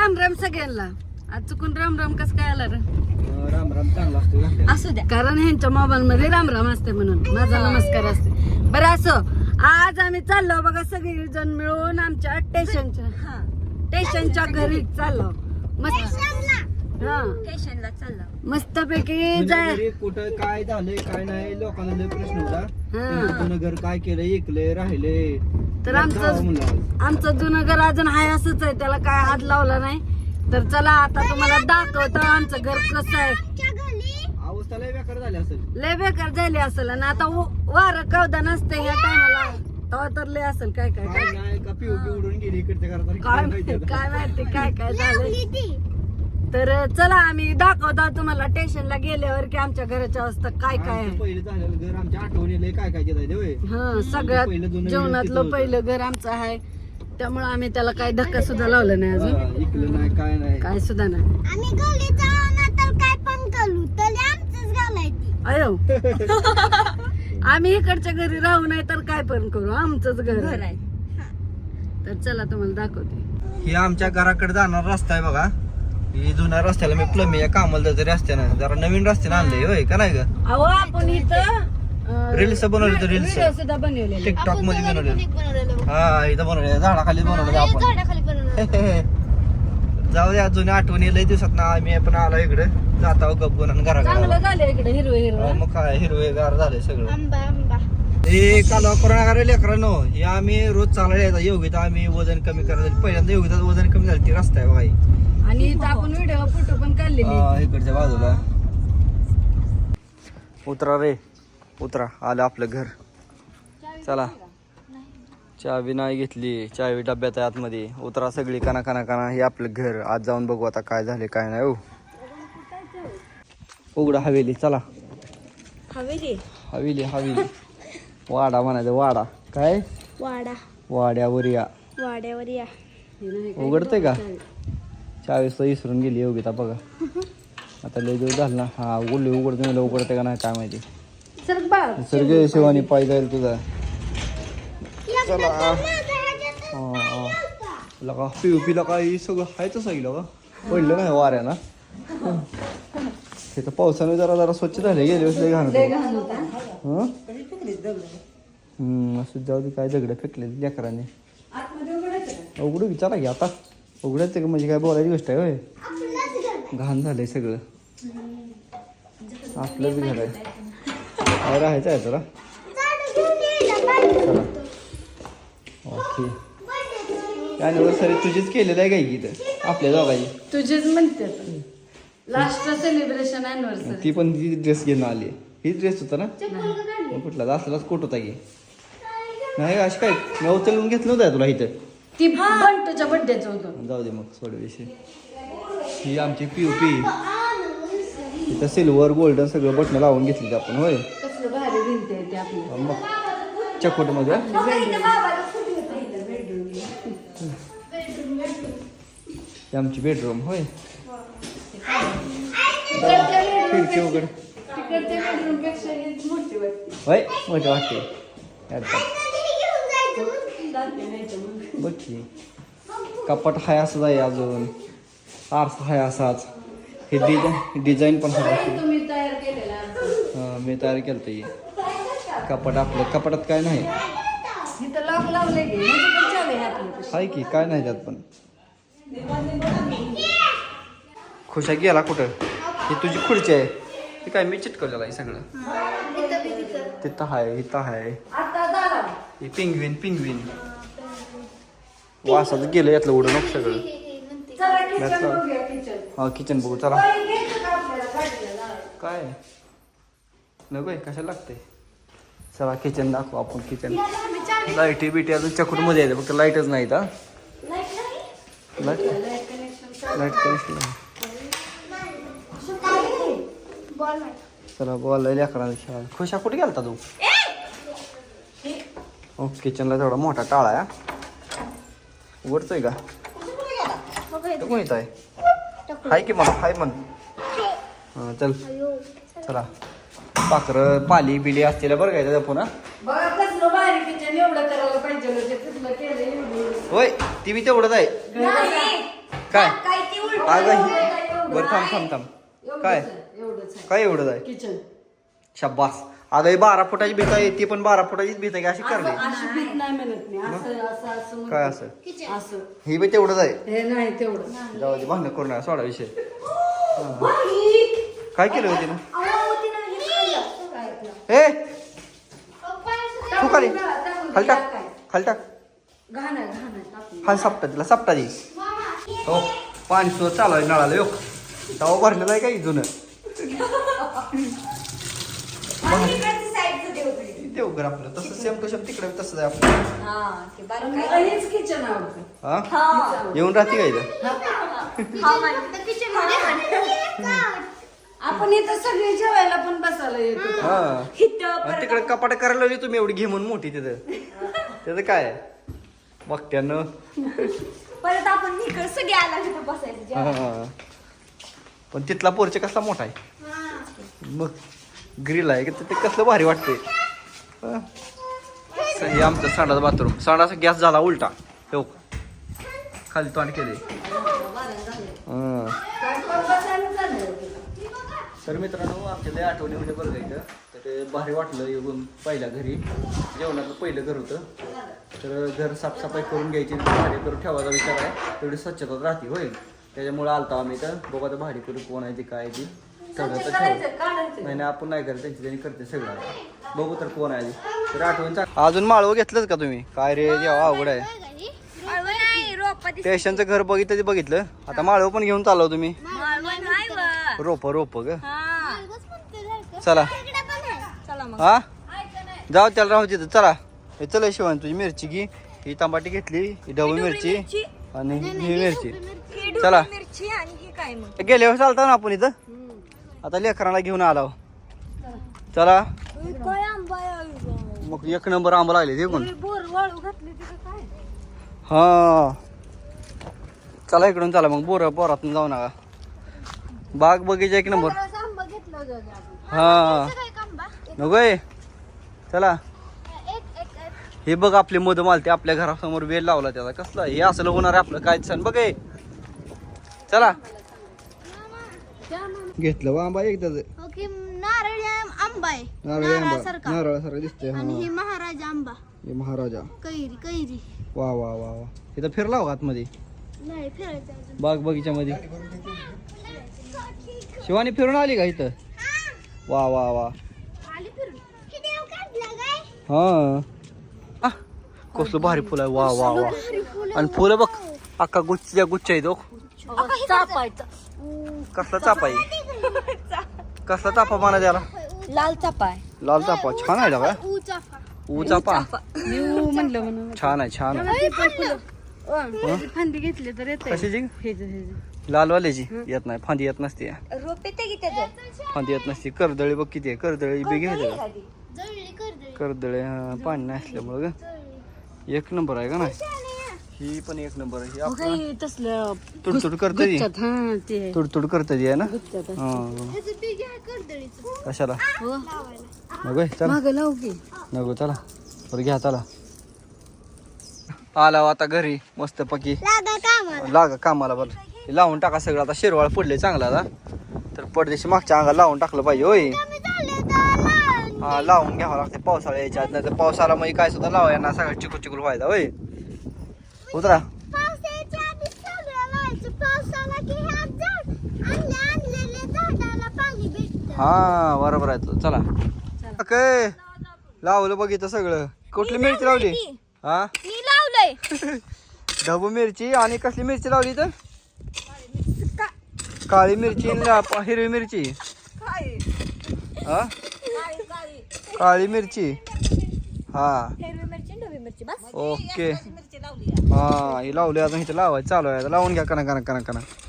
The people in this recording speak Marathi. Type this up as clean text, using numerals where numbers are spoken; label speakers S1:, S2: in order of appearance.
S1: राम राम सगळ्यांना. आज चुकून राम राम कसं काय आला रे?
S2: राम राम चांगला असतो घातलेला.
S3: असू द्या.
S1: कारण ह्यांच्या मोबाईल मध्ये राम राम असते म्हणून माझा नमस्कार असते. बरं असं आज आम्ही चाललो बघा सगळी जण मिळून आमच्या स्टेशनच्या घरी चाललो. मस्त हा
S3: स्टेशनला चालला.
S1: मस्तपैकी जाय.
S2: म्हणजे कुठं काय झालंय काय नाही लोकांना लय प्रश्न होता.
S1: हा.
S2: जुनं घर काय केलं, ऐकलंय राहिले
S1: तर आमचं जुनं घर अजून हाय असंच आहे, त्याला काय हात लावला नाही. तर चला आता तुम्हाला दाखवतो आमचं घर कसं आहे.
S2: अवस्था लय बेकार झाली असेल.
S1: लय बेकार झाली असेल आणि आता वारं कवदा नसते ह्या टायमाला तेव्हा तर लय असेल काय काय
S2: काय नाही का पिऊ उडून गेली इकडच्या घरात.
S1: काय माहिती काय काय झालं. तर चला आम्ही दाखवतो तुम्हाला स्टेशनला गेल्यावर की आमच्या घराची अवस्था काय काय आहे.
S2: पहिलं झालेलं घर आमच्या आठवणीला काय काय केलं होय.
S1: हा सगळ्यात जेवणातलं पहिलं घर आमचं आहे, त्यामुळे आम्ही त्याला काही धक्का सुद्धा लावला नाही अजून.
S2: ऐकलं नाही काय नाही
S1: काय सुद्धा नाही.
S3: आम्ही घरी जाऊन तर काय पण करू तरी आमचंच घालायची.
S1: अयो आम्ही इकडच्या घरी राहू नाही तर काय पण करू, आमचंच घर
S3: घर
S1: आहे.
S3: आहे.
S1: तर चला तुम्हाला दाखवते.
S2: हे आमच्या घराकडे जाणारा रस्ता आहे बघा. ही जुन्या रस्त्याला मी प्लम्बिंग कामाला जाते रस्त्यानं, जरा नवीन रस्त्यानं आणलंय होय का नाही ग.
S1: अहो आपण इथं
S2: रील्स बनवले तर रील्स
S1: व्हिडिओ सुद्धा बनवलेले.
S2: टिकटॉक मध्ये बनवले.
S3: बनवलेलं
S2: हा इथं बनवले झाडाखाली बनवले आपण.
S3: झाडाखाली बनवलेलं.
S2: जाऊ द्या जुन्या आठवणी लय दिवसात ना आम्ही पण आलो इकडे जाता गप्पून आणि
S1: चांगलं
S2: घराकडे.
S1: झालं इकडे हिरवं हिरवं.
S2: मग काय हिरवेगार झाले सगळं.
S3: आंबा आंबा.
S2: हे कालवा करोना लेकरांनो, हे आम्ही रोज चालायला यायचा योगिता आम्ही वजन कमी करायचं. पहिल्यांदा योगिता वजन कमी झालं ती रस्ता आहे बघा.
S1: आणि इथं आपण व्हिडिओ फोटो पण काढलेले.
S2: इकडच्या बाजूला उतरा रे उतरा. आलं आपलं घर. चला चावी नाही घेतली, चावी डब्यात आहे आतमध्ये. उतरा सगळी काना काना काना. हे आपलं घर. आज जाऊन बघू आता काय झाले काय नाही. हो उघडा हवेली. चला
S3: हवेली.
S2: हवेली हवेली वाडा म्हणायचं. वाडा काय
S3: वाडा.
S2: वाड्यावर या.
S3: वाड्यावर या.
S2: उघडते का? चावीस तर विसरून गेली योगिता बघा. आता लय दिवस झालं ना. हा उघडते उघडते का नाही काय माहिती. सर शिवानी पाय जाईल तुझा. चला लगा पिला काही सगळं हायच सांगितलं का पडलं नाही वाऱ्यानं. हे तर पावसाने जरा जरा स्वच्छ झाले गेले वर्षी घाण. असं जाऊ दे काय दगड फेकले लेकरांनी. उघडू विचारा की आता उघडायचं का म्हणजे काय बोलायची गोष्ट आहे होय. घाण झालंय सगळं. आपलंच घर आहे काय राहायचं आहे जरा. चला ओके. अॅनिव्हर्सरी तुझीच केलेलं आहे काय इथं आपल्या दोघांची.
S1: तुझेच म्हणते लास्ट सेलिब्रेशन अॅनिव्हर्सरी.
S2: ती पण ती ड्रेस घेऊन आली. ही ड्रेस होता ना कुठला असलाच कोट होता की नाही अशी काय मी उचलून घेतलं होतं तुला इथं.
S1: ती बंटूच्या बर्थडेचं होतं.
S2: जाऊ दे मग सोड विषय. ही आमची पीओपी. इथं सिल्वर गोल्डन सगळं बटणं लावून घेतली आपण होय.
S1: कसलं भारी भिंत आहे ते आपली.
S2: मग चकोट मध्ये आमची बेडरूम होय. खिडकी वगैरे
S1: तिकडच्या बेडरूम पेक्षा ही मोठी वाटते.
S2: होय मोठं वाटते. बघ की कपाट हाय असंच आहे अजून. आरसा हाय असाच. हे डिझाईन पण हाय.
S1: तुम्ही तयार केलेला.
S2: मी तयार केलं ते कपाट. आपलं कपाटात काय नाही.
S1: इथं लॉक लावले की म्हणजे पण चालू आहे आपलं.
S2: आहे की काय नाही त्यात पण. खुशा गेला कुठं. ही तुझी खुर्ची आहे. हे काय मी चिटकवलेलं आहे सगळं. तिथं आहे इथं आहे. हे पिंगविन वासाचं गेलं यातलं उडून नको सगळं. हा किचन बघू चला. काय नको आहे कशाला लागतंय. चला किचन दाखवू आपण. किचन लाईटी बिटी अजून चकूट मध्ये आहे फक्त लाईटच नाही. Light connection. चला बॉल लेकरांना खेळा. खुशा कुठे गेलता तू. हो किचनला तेवढा मोठा टाळा आहे. उघडतोय का कोण येत आहे. हाय की मला हाय म्हण. हां चल चला. पाखरं पाली बिली असतील बरं काय त्याचा पुन्हा. होय ती बी तेवढंच आहे. काय
S1: काय ती उलट
S2: अगं बरं थांब काय काय एवढं आहे
S1: किचन
S2: शब्बास अगं ही 12 फुटाची भीत आहे ती पण 12 फुटाचीच भीत आहे की अशी करली
S1: अशी भीत नाही म्हणत मी असं
S2: काय असं
S1: असं
S2: ही बी तेवढंच आहे
S1: हे नाही तेवढं
S2: जाऊ दे भांडण करू नका सोडा विषय काय केलं होती ना ए तू खाली खाली टाक
S1: घाण आहे टाकून.
S2: हा सपटा तिला सपटा दे हो पाणी सुद्धा चालू आहे नळाला योग तवा भरलेला आहे काही जुनं देऊ घर आपलं तसं सेम टू सेम तिकडे तसंच आहे आपलं
S1: मला हेच किचन आवडतं.
S2: हा येऊन राहते का इथं
S1: आपण इथं सगळे जेवायला पण बसायला येतो.
S2: हा आणि तिकडे कपाट करायला लावली तुम्ही एवढी घे म्हणून मोठी तिथं त्याचं काय बघत्यानं
S3: परत आपण इकडे सगळे आला तिथं बसायचं
S2: हा. पण तिथला पोर्च कसला मोठा आहे मग ग्रिल आहे की ते कसलं भारी वाटते हे आमचं सांडाचं बाथरूम सांडाचा गॅस झाला उलटा हो खाली तोंड केले तर मित्रांनो आमच्या लय आठवणी म्हणजे बरं इथं तर ते भारी वाटलं येऊन पहिल्या घरी जेवणाचं पहिलं घर होतं तर घर साफसफाई करून घ्यायची भाडी करून ठेवायचा विचार आहे तेवढी स्वच्छता राहते होईल त्याच्यामुळे आलता आम्ही इथं बघा तर भाडी करून कोण आहे ती काय ती सगळं तर ठेव नाही आपण नाही करत त्यांची त्यांनी करते सगळं बघू तर कोण आहे तर आठवण अजून माळवं घेतलंच का तुम्ही काय रे जेव्हा अवघड आहे स्टेशनचं घर बघितलं आता माळवं पण घेऊन चालव तुम्ही रोप ग चला हा जाऊ त्याला राहू तिथं चला हे चला शिवान तुझी मिरची घे ही टमाटी घेतली ही ढबू मिरची आणि ही मिरची चला गेल्यावर चालता ना आपण इथं आता लेकरांना घेऊन आलो चला मग 1 नंबर आंबा लागले देखून हा चला इकडून चला मग बोरातून जाऊ नका बाग बगीचा 1 नंबर हा नको चला हे बघ आपले मध मालते आपल्या घरासमोर वेल लावला त्याचा कसला हे असलं होणार आहे आपलं काय सण बघ चला घेतलं बा आंबा एक
S3: नारळी आंबा आहे
S2: नारळासारखं दिसतंय
S3: आणि ही महाराजा आंबा
S2: हे महाराजा
S3: कैरी
S2: वा वा वा वा इथं फिरला हो आतमध्ये
S3: नाही फिरायचं अजून
S2: बाग बगीच्यामध्ये शिवानी फिरून आली का इथं वा वा वा
S3: आली फिरून किती देव काढला काय
S2: हा कसलं भारी फुल आहे वा वा वा आणि फुलं बघ अख्खा गुच्छ आहे तो कसला चापा आहे कसला चापा म्हणा त्याला
S1: लाल चापा आहे
S2: लाल चापा छान आहे का ऊ चापा
S1: म्हणलं म्हणून
S2: छान आहे
S1: फांदी घेतली तर येते
S2: कशाची लालवाल्याची येत नाही फांदी येत नसते फांदी येत नसते करदळी बघ किती आहे करदळी बी घ्यायचं करदळे पाणी नाही असल्यामुळं ग 1 नंबर आहे का नाही ही पण 1 नंबर आहे
S1: तसलं
S2: तुडतुड करते तुडतुड करते ना कशाला नको चला
S1: लावू की
S2: नको चला बरं घ्या चला आला आता घरी मस्त पकी लागा कामाला बरं लावून टाका सगळं आता शिरवाळ पडले चांगला आता तर पडदेशी मागच्या अंगाला लावून टाकलं पाहिजे होय हा लावून घ्यावं लागते पावसाळ्या यायच्या आत नाही तर पावसाळा मग काय सुद्धा लावाय ना सगळं चिकूल व्हायचा होय उतरा हा बरोबर आहे चला काय लावलं बघितलं सगळं कुठली मिरची लावली हा
S3: मी लावलंय
S2: ढबू मिरची आणि कसली मिरची लावली तर काळी मिरची आणि हिरवी मिरची हा काळी मिरची हा ओके हा ही लावली अजून इथे लावायचं चालू आहे लावून घ्या कना